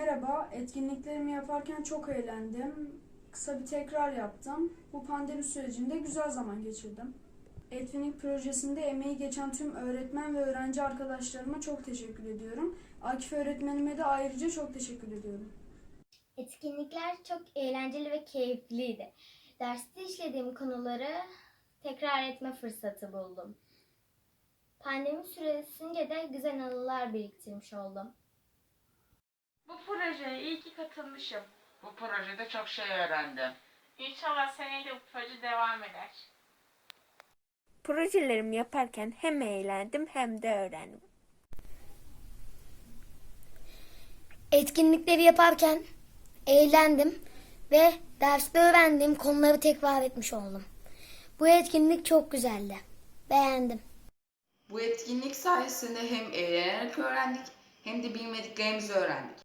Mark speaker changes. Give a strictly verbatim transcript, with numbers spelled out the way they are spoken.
Speaker 1: Merhaba, etkinliklerimi yaparken çok eğlendim. Kısa bir tekrar yaptım. Bu pandemi sürecinde güzel zaman geçirdim. Etkinlik projesinde emeği geçen tüm öğretmen ve öğrenci arkadaşlarıma çok teşekkür ediyorum. Akif öğretmenime de ayrıca çok teşekkür ediyorum.
Speaker 2: Etkinlikler çok eğlenceli ve keyifliydi. Derste işlediğim konuları tekrar etme fırsatı buldum. Pandemi süresince de güzel anılar biriktirmiş oldum.
Speaker 3: Bu projeye iyi ki katılmışım.
Speaker 4: Bu projede çok şey öğrendim.
Speaker 3: İnşallah seneye de bu proje devam eder.
Speaker 5: Projelerimi yaparken hem eğlendim hem de öğrendim.
Speaker 6: Etkinlikleri yaparken eğlendim ve derste öğrendiğim konuları tekrar etmiş oldum. Bu etkinlik çok güzeldi. Beğendim.
Speaker 7: Bu etkinlik sayesinde hem eğlenerek öğrendik hem de bilmediklerimizi öğrendik.